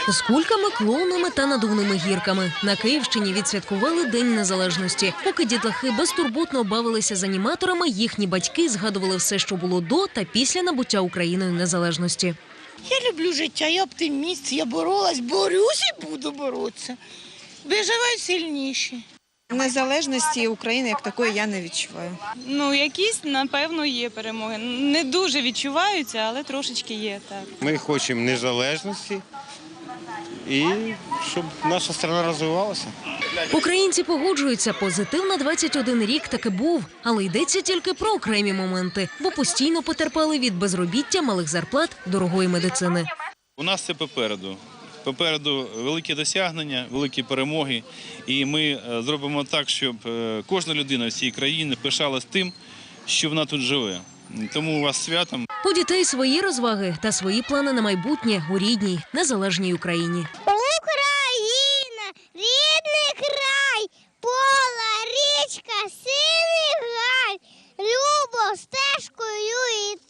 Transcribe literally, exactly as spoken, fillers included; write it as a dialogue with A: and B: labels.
A: З кульками, клоунами та надувними гірками на Київщині відсвяткували День Незалежності. Поки дітлахи безтурботно бавилися з аніматорами, їхні батьки згадували все, що було до та після набуття Україною незалежності.
B: Я люблю життя, я оптиміст, я боролась, борюсь і буду боротися. Виживай сильніші.
C: Незалежності України як такої я не відчуваю.
D: Ну, якісь, напевно, є перемоги. Не дуже відчуваються, але трошечки є, так.
E: Ми хочемо незалежності і щоб наша країна розвивалася.
A: Українці погоджуються, позитив на двадцять один рік таки був, але йдеться тільки про окремі моменти, бо постійно потерпали від безробіття, малих зарплат, дорогої медицини.
F: У нас це попереду. Попереду великі досягнення, великі перемоги, і ми зробимо так, щоб кожна людина в цій країні пишалась тим, що вона тут живе. Тому у вас святом.
A: У дітей свої розваги та свої плани на майбутнє у рідній, незалежній Україні.
G: Україна, рідний край, пола, річка, синий гай, любов стежкою йти.